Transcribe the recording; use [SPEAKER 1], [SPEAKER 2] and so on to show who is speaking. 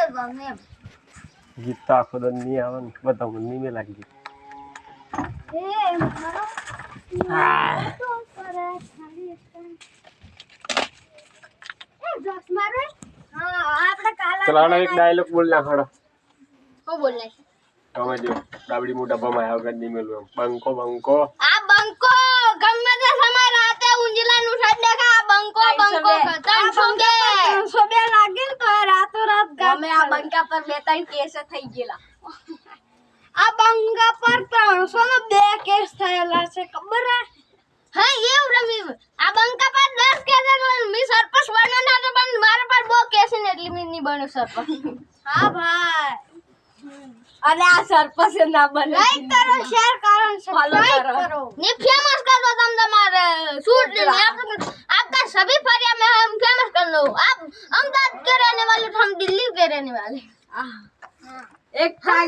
[SPEAKER 1] ગમે એમ
[SPEAKER 2] ગીત તો આખો દન નહીં આવે ને બધા મને નહીં લાગી
[SPEAKER 1] મારો તો કરે ખાલી જોક્સ મારો હા આપણે કાલા
[SPEAKER 2] ચલાનો એક ડાયલોગ બોલ નાખડો
[SPEAKER 1] કો બોલને
[SPEAKER 2] તમે જો ડાબડી મોટા બમાયા વગર નહીં મેલું એમ બંકો બંકો
[SPEAKER 1] આ બંકો ગમે તે સમય રાતે ઉંજલાનું સાડ દેખા બંકો બંકો 302 લાગે ને તો રાતો રાત ગમે આ બંકા પર બે ત્રણ કેસ થઈ ગયેલા આ બંકા પર 302 કેસ થયેલા છે ખબર હે હા એવું રમી આ બંકા પર 10 કેસ મી સરપંચ બન્યો ના તો પણ મારા પર બહુ કેસ ને એટલે મી નહીં બન્યો સરપંચ હા ભાઈ અને આ સરપંચ ના બને લાઈક કરો શેર કરો સબસ્ક્રાઇબ કરો ને ફેમસ कर दो तुम तुम्हारे शूट ने आपका सभी फरिया में हम फेमस कर लो आप अहमदाबाद के रहने वाले हम दिल्ली के रहने वाले एक